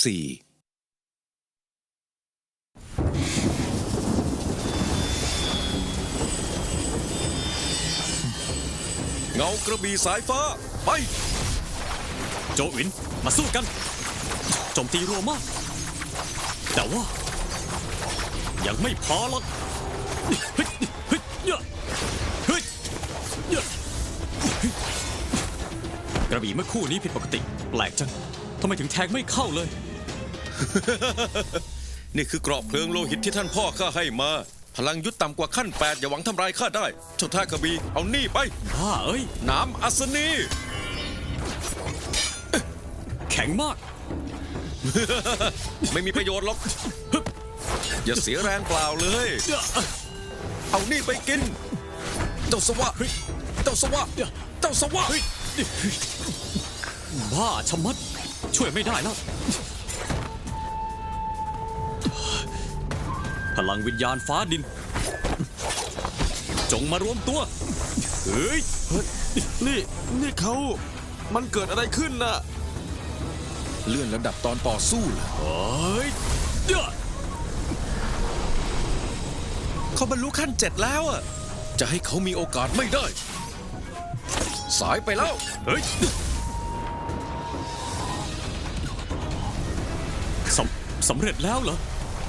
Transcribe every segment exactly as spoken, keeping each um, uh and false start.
สี่เงากระบี่สายฟ้าไปโจหวินมาสู้กันโจมตีรัวมากแต่ว่ายังไม่พอหรอกเฮ้ยเฮ้ยเฮ้ยเฮ้ยเฮ้ยกระบี่เมื่อคู่นี้ผิดปกติแปลกจังทำไมถึงแทงไม่เข้าเลยนี่คือเกราะเพลิงโลหิตที่ท่านพ่อข้าให้มาพลังยุทธต่ำกว่าขั้นแปดอย่าหวังทำลายข้าได้เจ้าท่ากระบี่เอานี่ไปบ้าเอ้ยน้ำอัศนีแข็งมากไม่มีประโยชน์หรอกอย่าเสียแรงเปล่าเลยเอานี่ไปกินเจ้าสวะเจ้าสวะเจ้าสวะบ้าชะมัดช่วยไม่ได้แล้วพลังวิญญาณฟ้าดินจงมารวมตัวเฮ้ยนี่นี่เขามันเกิดอะไรขึ้นน่ะเลื่อนระดับตอนต่อสู้เหรอเฮ้ยเด้อเขาบรรลุขั้นเจ็ดแล้วอะจะให้เขามีโอกาสไม่ได้ สายไปแล้วเฮ้ยสำสำเร็จแล้วเหรอ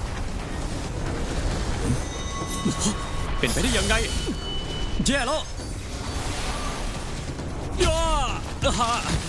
เป็นไปได้ยังไงแย่แล้วย่าฮ่า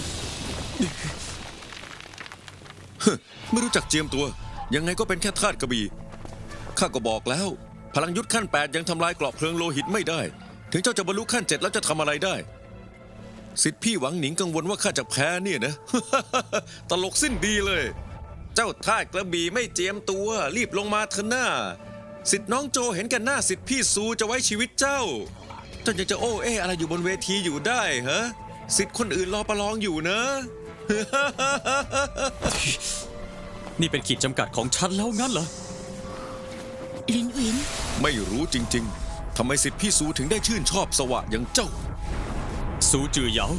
ไม่รู้จักเจียมตัว ยังไงก็เป็นแค่ธาตุกระบี่ข้าก็บอกแล้ว พลังยุทธขั้นแปดยังทำลายเกราะเพลิงโลหิตไม่ได้ ถึงเจ้าจะบรรลุขั้นเจ็ดแล้วจะทำอะไรได้สิทธิพี่หวังหนิงกังวลว่าข้าจะแพ้เนี่ยนะ ตลกสิ้นดีเลย เจ้าธาตุกระบี่ไม่เจียมตัวรีบลงมาเถอะหน้าสิทธิน้องโจเห็นกันหน้าสิทธิพี่ซูจะไว้ชีวิตเจ้าเจ้ายังจะโอ้เออะไรอยู่บนเวทีอยู่ได้ฮะสิทธิคนอื่นรอประลองอยู่นะนี่เป็นขีดจำกัดของฉันแล้วงั้นเหรอลินหวินไม่รู้จริงๆ ทำไมสิทธิพี่ซูถึงได้ชื่นชอบสวะอย่างเจ้าซูจือเหยา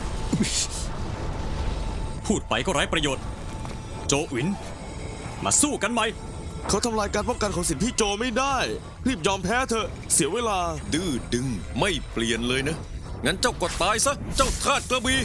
พูดไปก็ไร้ประโยชน์โจหวินมาสู้กันไหมเขาทำลายการป้องกันของสิทธิพี่โจไม่ได้ รีบยอมแพ้เถอะเสียเวลาดื้อดึงไม่เปลี่ยนเลยนะ งั้นเจ้าก็ตายซะ เจ้าธาตุกระบี่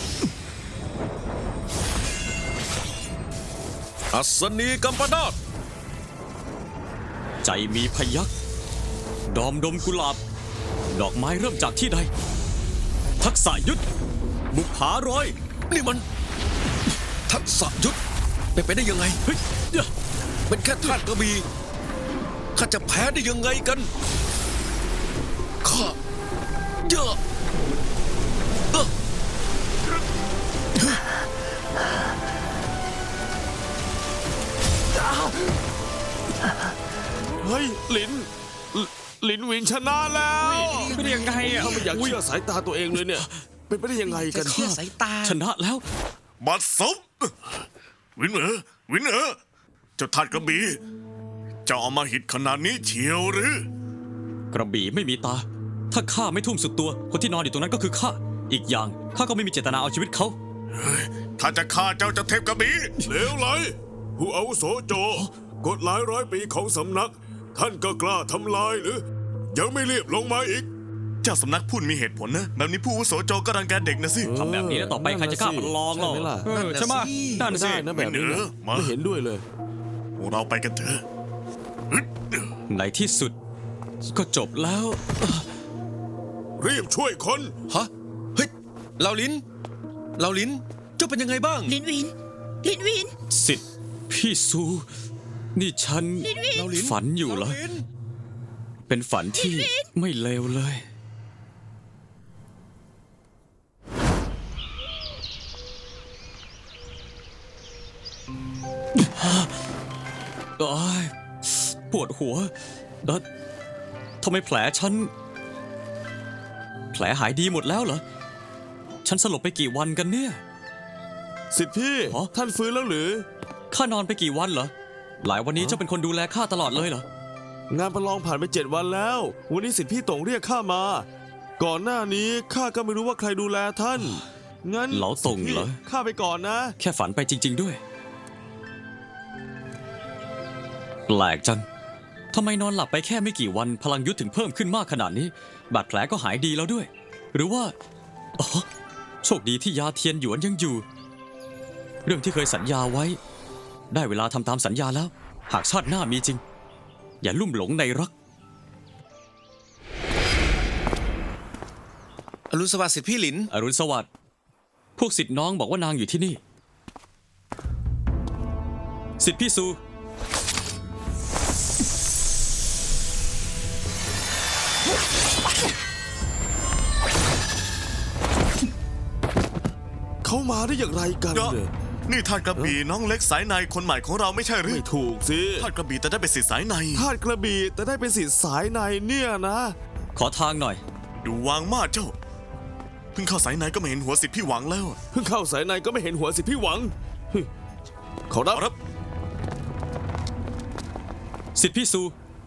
อัศนีกัมปนาตใจมีพยักดอมดมกุหลาบ ดอกไม้เริ่มจากที่ใด ทักษะยุทธบุกผารอยนี่มัน ทักษะยุทธเป็นไปได้ยังไงเฮ้ยเดี๋ยวเป็นแค่ธาตุกระบี่ข้าจะแพ้ได้ยังไงกันข้าเยอะเอ้อเฮ้ยหลินลหลินหวินชนะแล้วเป็นยังไงอ่ะถ้าไม่อยากเชื่อสายตาตัวเองเลยเนี่ย เป็นไปได้ยังไงกันเชื่อสายตาชนะแล้วบัดซบวินเหรอวินเหรอเจ้าทาดกระบี่เจ้าเอามาหิดขนาดนี้เชียวหรือกระบี่ไม่มีตา ถ้าข้าไม่ทุ่มสุดตัว คนที่นอนอยู่ตรงนั้นก็คือข้า อีกอย่างข้าก็ไม่มีเจตนาเอาชีวิตเขาถ้าจะฆ่าเจ้าจะเทพกระบี่เลวไหลผู้อาวุโสโจ กฎหลายร้อยปีของสำนัก ท่านก็กล้าทำลายหรือ ยังไม่รีบลงมาอีกเจ้าสำนักพูดมีเหตุผลนะแบบนี้ผู้อาวุโสโจก็รังแกเด็กนะสิทำแบบนี้แล้วต่อไปใครจะกล้ามาลองหรอใช่ไหมล่ะเออใช่ไหมนั่นสิได้นะแบบนี้นะมาไม่เห็นด้วยเลยพวกเราไปกันเถอะในที่สุด ก็จบแล้วรีบช่วยคนฮะ เฮ้ยเหลาลินเหลาลิน เจ้าเป็นยังไงบ้างลินหวิน ลินหวินสิทธิ์พี่ซู นี่ฉันเหลาลินฝันอยู่เหรอาลินเป็นฝันที่ไม่เลวเลยโอ๊ยปวดหัวแล้วทำไมแผลฉัน แผลหายดีหมดแล้วเหรอ ฉันสลบไปกี่วันกันเนี่ยสิทธิพี่อ๋อท่านฟื้นแล้วหรือข้านอนไปกี่วันเหรอ หลายวันนี้เจ้าเป็นคนดูแลข้าตลอดเลยเหรองานประลองผ่านไปเจ็ดวันแล้ว วันนี้สิทธิพี่ตงเรียกข้ามา ก่อนหน้านี้ข้าก็ไม่รู้ว่าใครดูแลท่าน งั้นเหลาตงเหรอสิทธิพี่ข้าไปก่อนนะแค่ฝันไปจริง ๆด้วยแปลกจัง ทำไมนอนหลับไปแค่ไม่กี่วันพลังยุทธถึงเพิ่มขึ้นมากขนาดนี้ บาดแผลก็หายดีแล้วด้วย หรือว่า อ๋อ โชคดีที่ยาเทียนหยวนยังอยู่ เรื่องที่เคยสัญญาไว้ ได้เวลาทำตามสัญญาแล้ว หากชาติหน้ามีจริง อย่าลุ่มหลงในรักอรุณสวัสดิ์สิทธิพี่หลินอรุณสวัสดิ์ พวกสิทธิ์น้องบอกว่านางอยู่ที่นี่ สิทธิพี่ซูเขามาได้อย่างไรกันเดี๋ยวเนี่ยนี่ทาสกระบี่น้องเล็กสายในคนใหม่ของเราไม่ใช่หรือไม่ถูกสิทาสกระบี่แต่ได้เป็นสิทธิ์สายในทาสกระบี่แต่ได้เป็นสิทธิ์สายในเนี่ยนะขอทางหน่อยดูวางมากเจ้า เพิ่งเข้าสายในก็ไม่เห็นหัวสิทธิ์พี่หวังแล้วเพิ่งเข้าสายในก็ไม่เห็นหัวสิทธิ์พี่หวังฮึขอรับเอารับสิทธิพี่ซู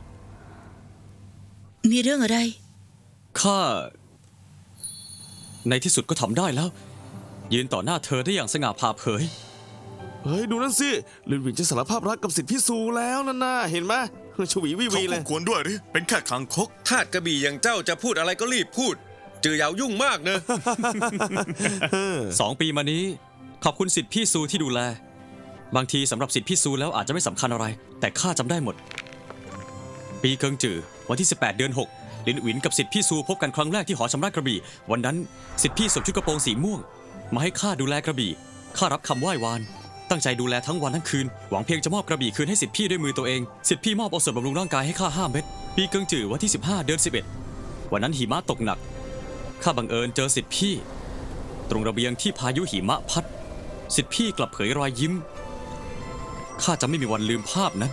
มีเรื่องอะไรข้า ในที่สุดก็ทำได้แล้ว ยืนต่อหน้าเธอได้อย่างสง่าผ่าเผยเฮ้ย ดูนั่นสิลินหวินจะสารภาพรักกับสิทธิพี่ซูแล้วนั่นน่ะเห็นไหมชวีวิเขาวีเลคู่ยควรด้วยหรือเป็นแค่ขังคกทาสกระบี่อย่างเจ้าจะพูดอะไรก็รีบพูด จือเหยายุ่งมากเนอะสองปีมานี้ ขอบคุณสิทธิพี่ซูที่ดูแล บางทีสำหรับสิทธิพี่ซูแล้วอาจจะไม่สำคัญอะไร แต่ข้าจำได้หมด ปีเกิงจือวันที่ สิบแปด เดือน หก ลินหวินกับสิทธิพี่ซูพบกันครั้งแรกที่หอชำระกระบี่ วันนั้นสิทธิพี่สวมชุดกระโปรงสีม่วง มาให้ข้าดูแลกระบี่ ข้ารับคำไหว้วาน ตั้งใจดูแลทั้งวันทั้งคืน หวังเพียงจะมอบกระบี่คืนให้สิทธิพี่ด้วยมือตัวเอง สิทธิพี่มอบเอาส่วนบำรุงร่างกายให้ข้าห้าเม็ด ปีเกิงจือวันที่ สิบห้า เดือน สิบเอ็ด วันนั้นหิมะตกหนัก ข้าบังเอิญเจอสิทธิพี่ ตรงระเบียงที่พายุหิมะพัด สิทธิพี่กลับเผยรอยยิ้ม ข้าจะไม่มีวันลืมภาพนั้น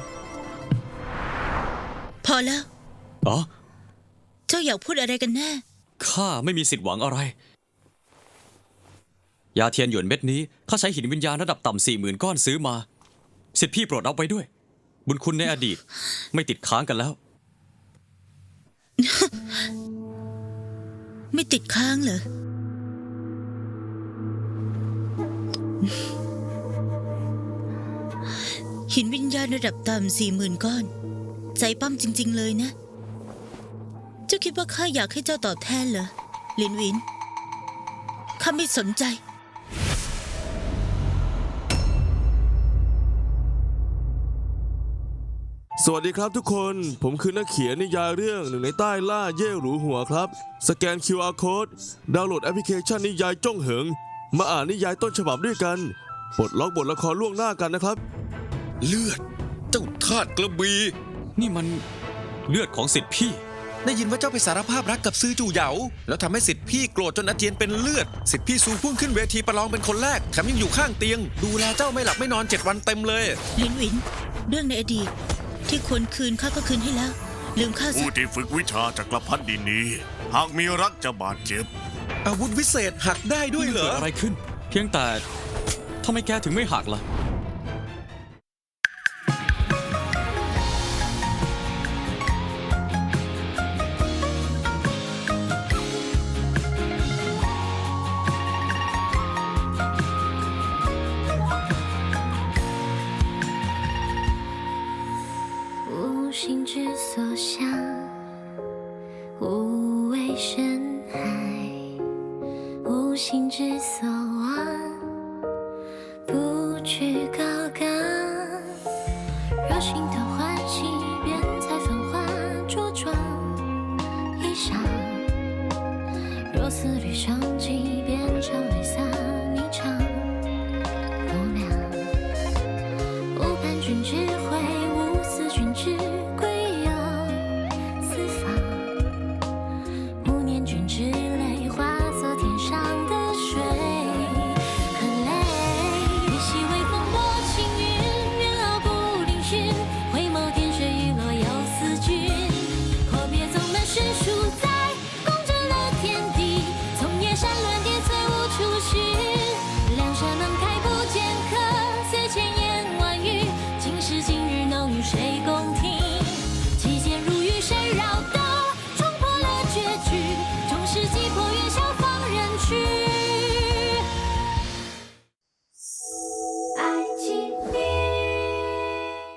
พอแล้วอ๋อเจ้าอยากพูดอะไรกันแน่ข้าไม่มีสิทธิ์หวังอะไร ยาเทียนหยวนเม็ดนี้ข้าใช้หินวิญญาณระดับต่ำสี่หมื่นก้อนซื้อมา สิทธิพี่โปรดรับไว้ด้วย บุญคุณในอดีตไม่ติดค้างกันแล้วไม่ติดค้างเหรอ หินวิญญาณระดับต่ำสี่หมื่นก้อน ใจปั้มจริง ๆ เลยนะ เจ้าคิดว่าข้าอยากให้เจ้าตอบแทนเหรอลินหวิน ข้าไม่สนใจสวัสดีครับทุกคน ผมคือนักเขียนนิยายเรื่องหนึ่งในใต้ล่าเย่หรูหัวครับ สแกน คิว อาร์ Code ดาวน์โหลดแอปพลิเคชันนิยายจ้องเหิง มาอ่านนิยายต้นฉบับด้วยกันปลดล็อกบทละครล่วงหน้ากันนะครับเลือด เจ้าทาสกระบี่นี่มันเลือดของสิทธิพี่ได้ยินว่าเจ้าไปสารภาพรักกับซื้อจู่เหยา แล้วทำให้สิทธิพี่โกรธจนอาเจียนเป็นเลือด สิทธิพี่ซูพุ่งขึ้นเวทีประลองเป็นคนแรกแถมยังอยู่ข้างเตียง ดูแลเจ้าไม่หลับไม่นอนเจ็ดวันเต็มเลยลินหวิน เรื่องในอดีต ที่ควรคืนข้าก็คืนให้แล้ว ลืมข้าซะผู้ที่ฝึกวิชาจักรพรรดินี้ หากมีรักจะบาดเจ็บอาวุธวิเศษหักได้ด้วยเหรเกิอดอะไรขึ้น เพียงแต่ทำไมแกถึงไม่หักล่ะ无心之所向，无畏深海；无心之所望，不去高岗。若心头欢喜，便采繁花着装衣裳；若思虑生计，便常泪洒